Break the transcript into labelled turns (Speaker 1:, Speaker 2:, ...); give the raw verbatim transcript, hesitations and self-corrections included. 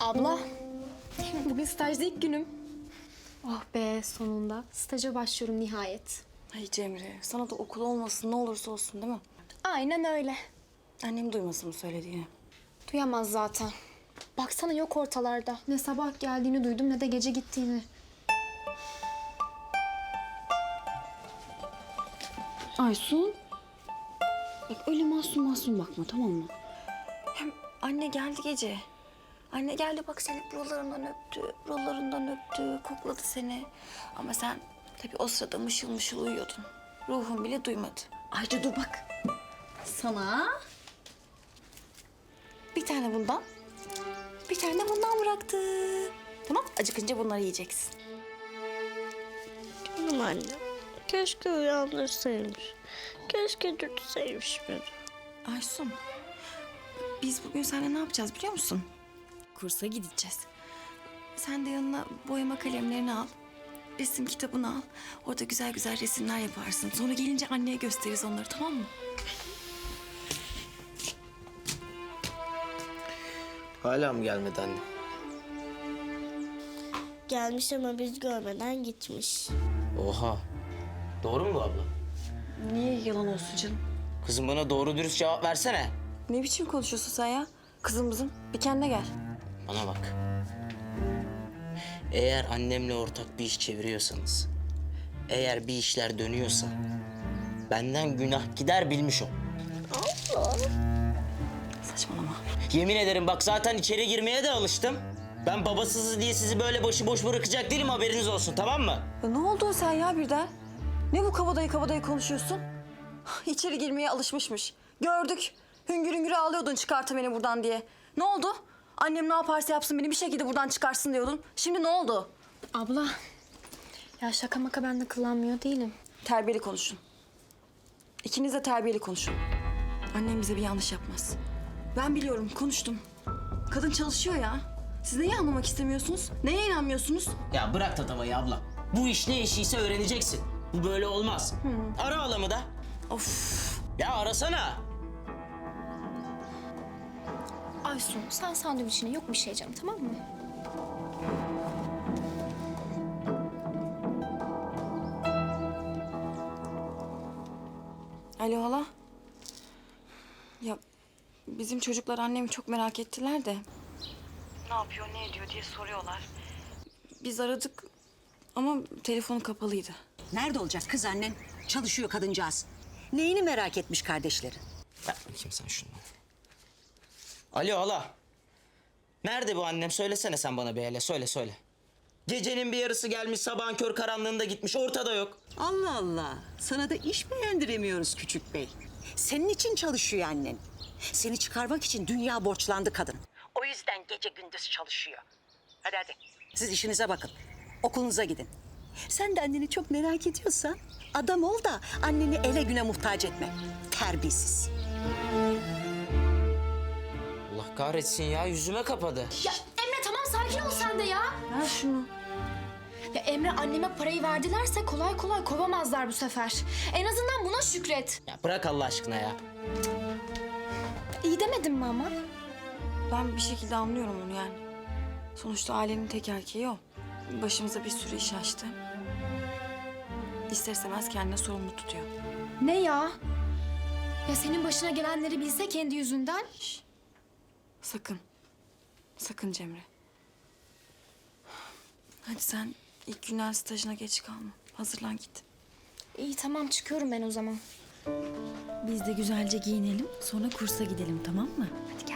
Speaker 1: Abla, bugün stajda ilk günüm. Oh be, sonunda. Staja başlıyorum nihayet.
Speaker 2: Ay Cemre, sana da okul olmasın ne olursa olsun değil mi?
Speaker 1: Aynen öyle.
Speaker 2: Annem duymasın bu söylediğini.
Speaker 1: Duyamaz zaten. Baksana yok ortalarda. Ne sabah geldiğini duydum ne de gece gittiğini.
Speaker 3: Aysun. Bak öyle masum masum bakma, tamam mı?
Speaker 2: Hem anne geldi gece. Anne geldi bak seni buralarından öptü, buralarından öptü, kokladı seni. Ama sen tabii o sırada mışıl mışıl uyuyordun. Ruhun bile duymadı.
Speaker 3: Ayrıca dur bak. Sana
Speaker 2: Bir tane bundan, bir tane de bundan bıraktı. Tamam, acıkınca bunları yiyeceksin.
Speaker 4: Canım anne. Keşke uyandırsaymış. Keşke dürtseymiş beni.
Speaker 2: Aysun, biz bugün seninle ne yapacağız biliyor musun? Kursa gideceğiz. Sen de yanına boyama kalemlerini al. Resim kitabını al. Orada güzel güzel resimler yaparsın. Sonra gelince anneye gösteririz onları, tamam mı?
Speaker 5: Hala mı gelmedi anne?
Speaker 4: Gelmiş ama biz görmeden gitmiş.
Speaker 5: Oha. Doğru mu bu abla?
Speaker 2: Niye yalan olsun canım?
Speaker 5: Kızım bana doğru dürüst cevap versene.
Speaker 2: Ne biçim konuşuyorsun sen ya? Kızım kızım, bir kendine gel.
Speaker 5: Bana bak. Eğer annemle ortak bir iş çeviriyorsanız, eğer bir işler dönüyorsa benden günah gider bilmiş ol.
Speaker 2: Saçmalama.
Speaker 5: Yemin ederim bak zaten içeri girmeye de alıştım. Ben babasızız diye sizi böyle başıboş bırakacak değilim, haberiniz olsun, tamam mı?
Speaker 2: Ya ne oldu sen ya birden? Ne bu kabadayı kabadayı konuşuyorsun? İçeri girmeye alışmışmış. Gördük. Hüngür hüngür ağlıyordun çıkartın beni buradan diye. Ne oldu? Annem ne yaparsa yapsın beni bir şekilde buradan çıkarsın diyordun. Şimdi ne oldu?
Speaker 1: Abla, ya şaka maka ben de kullanmıyor değilim.
Speaker 2: Terbiyeli konuşun. İkiniz de terbiyeli konuşun. Annem bize bir yanlış yapmaz. Ben biliyorum, konuştum. Kadın çalışıyor ya. Siz neyi anlamak istemiyorsunuz? Neye inanmıyorsunuz?
Speaker 5: Ya bırak tatavayı abla. Bu iş ne işiyse öğreneceksin. Bu böyle olmaz. Ara halamı da.
Speaker 2: Of.
Speaker 5: Ya arasana.
Speaker 1: Aysun, sen sandviçine yok bir şey canım, tamam mı?
Speaker 2: Alo hala. Ya bizim çocuklar annemi çok merak ettiler de. Ne yapıyor, ne ediyor diye soruyorlar. Biz aradık ama telefonu kapalıydı.
Speaker 6: Nerede olacak kız annen? Çalışıyor kadıncağız. Neyini merak etmiş kardeşlerin?
Speaker 5: Ver bakayım sen şunu. Alo hala. Nerede bu annem? Söylesene sen bana bir hele. Söyle söyle. Gecenin bir yarısı gelmiş, sabahın kör karanlığında gitmiş. Ortada yok.
Speaker 6: Allah Allah. Sana da iş beğendiremiyoruz küçük bey. Senin için çalışıyor annen. Seni çıkarmak için dünya borçlandı kadın. O yüzden gece gündüz çalışıyor. Hadi hadi. Siz işinize bakın. Okulunuza gidin. Sen de anneni çok merak ediyorsan adam ol da anneni ele güne muhtaç etme. Terbiyesiz.
Speaker 5: Allah kahretsin ya, yüzüme kapadı.
Speaker 1: Ya Emre tamam sakin ol sen de ya.
Speaker 2: Ver şunu.
Speaker 1: Ya Emre anneme parayı verdilerse kolay kolay kovamazlar bu sefer. En azından buna şükret.
Speaker 5: Ya bırak Allah aşkına ya.
Speaker 1: İyi demedim mi ama?
Speaker 2: Ben bir şekilde anlıyorum onu yani. Sonuçta ailenin tek erkeği o. Başımıza bir sürü iş açtı. İster istemez kendine sorumlu tutuyor.
Speaker 1: Ne ya? Ya senin başına gelenleri bilse kendi yüzünden.
Speaker 2: Sakın. Sakın Cemre. Hadi sen ilk günden stajına geç kalma. Hazırlan git.
Speaker 1: İyi tamam çıkıyorum ben o zaman.
Speaker 7: Biz de güzelce giyinelim, sonra kursa gidelim, tamam mı?
Speaker 1: Hadi gel.